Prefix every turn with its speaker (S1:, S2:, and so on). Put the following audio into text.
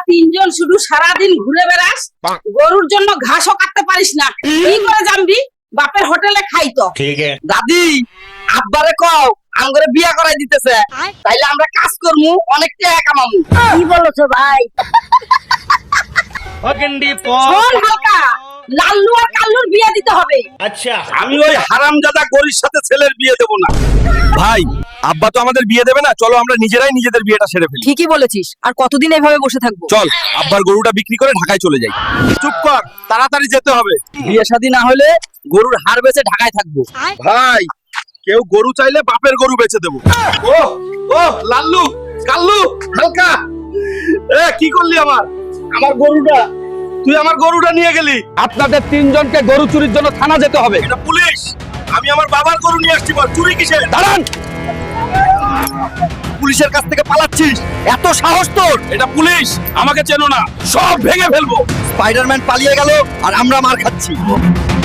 S1: তিনজন শুধু সারাদিন ঘুরে বেড়াস, গরুর জন্য ঘাসও কাটতে পারিস না, কি করে জানবি? বাপের হোটেলে খাই তো।
S2: ठीक है।
S3: দাদি আব্বারে কও আমগরে বিয়া করাই দিতেছে, তাইলে আমরা কাজ করমু, অনেক টাকা কামামু।
S1: কি বলছো ভাই?
S2: पगंडी
S1: শোন হালকা, লাল্লু আর কাল্লুর বিয়ে দিতে হবে।
S2: अच्छा।
S4: আমি ওই হারামজাদা গরির সাথে ছেলের বিয়ে দেব না। ভাই, আব্বা তো আমাদের বিয়ে দেবে না, চলো আমরা নিজেরাই নিজেদের বিয়েটা সেরে ফেলি।
S3: ঠিকই বলেছিস, আর কতদিন এভাবে বসে থাকবো?
S4: চল আব্বার গরুটা বিক্রি করে ঢাকায় চলে যাই। চুপ কর, তাড়াতাড়ি যেতে হবে।
S3: বিয়ে শাদী না হলে গরুর হাড় বেচে ঢাকায় থাকবো।
S4: ভাই, কেউ গরু চাইলে বাপের গরু বেচে দেবো। ও ও লাল্লু, কাল্লু, হালকা, কি করলি আমার আমার গরুটা? তুই আমার গরুটা নিয়ে গেলি।
S5: আপনাদের তিনজনকে গরু চুরির জন্য থানা যেতে হবে।
S4: এটা পুলিশ। আমি আমার বাবার গরু নিয়ে আসছি, বল চুরি কিসের?
S5: দাঁড়ান,
S4: পুলিশের কাছ থেকে পালাচ্ছিস?
S5: এত সাহস তোর!
S4: এটা পুলিশ, আমাকে চেনো না, সব ভেঙে ফেলবো।
S5: স্পাইডারম্যান পালিয়ে গেল আর আমরা মার খাচ্ছি।